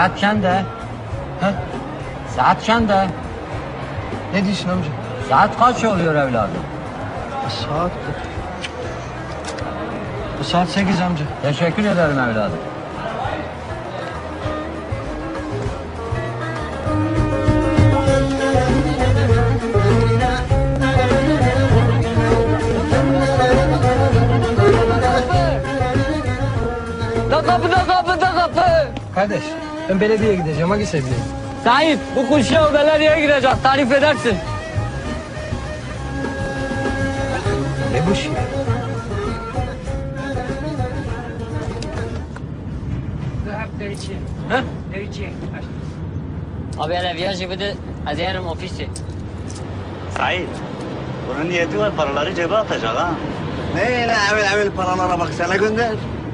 Saat çende. Ha? Saat çende. Ne diyorsun amca? Saat kaç oluyor evladım? Saat... Bu saat 8 amca. Teşekkür ederim evladım. Da kapı. Kardeş, ben belediyeye gideceğim. Hangi sevgili? Sahip, bu kuşya belediyeye girecek. Tarif edersin. Ne bu şey? Ha? Abi hele viyaj de azerim ofisi. Sait, bunun niyeti var paraları cebe atacak ha. Neyle evvel paralara bak sana gönder.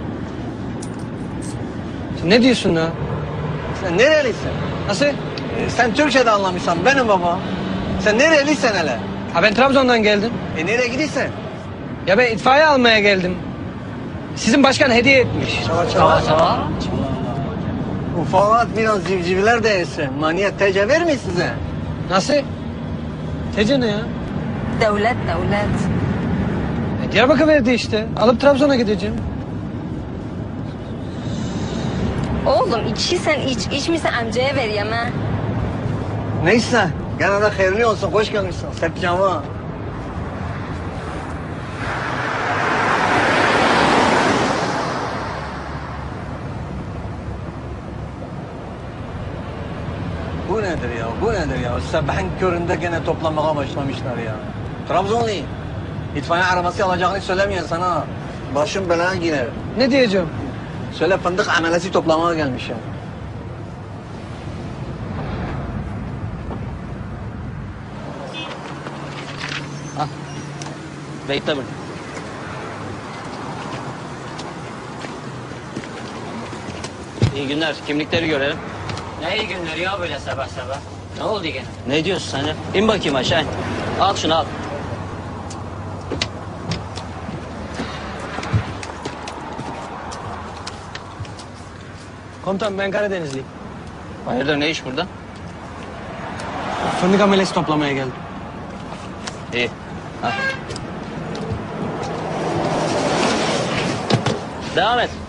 Sen ne diyorsun ha? Sen nerelisin? Nasıl? Sen Türkçe de anlamışsan benim baba. Sen nerelisin hele? Ha ben Trabzon'dan geldim. Nereye gidiyorsun? Ya ben itfaiye almaya geldim. Sizin başkan hediye etmiş. Çava Çava. Ufak biraz civcivler de yesin. Maniyet tece vermiyor size. Nasıl? Tece ne ya? Devlet. Diyarbakır verdi işte. Alıp Trabzon'a gideceğim. Oğlum içiysen iç, içmişsen amcaya ver yeme. Neyse. Gene de hayırlı olsun. Hoş gelmişsin. Sepcama. Bu nedir ya? Bu nedir ya? Sabahın köründe gene toplamaya başlamışlar ya. Trabzonlu. İtfaiye arabası alacağını söylemeyen sana. Başım belaya girer. Ne diyeceğim? Söyle fındık amelesi toplamaya gelmiş ya. Bekle bak. İyi günler. Kimlikleri görelim. Ne iyi günler ya böyle sabah sabah. Ne oldu gene? Ne diyorsun sen ya? İn bakayım aşağı in. Al şunu al. Komutan ben Karadenizliyim. Hayırdır ne iş burada? Fındık amelesi toplamaya geldim. İyi. Al. Devam et.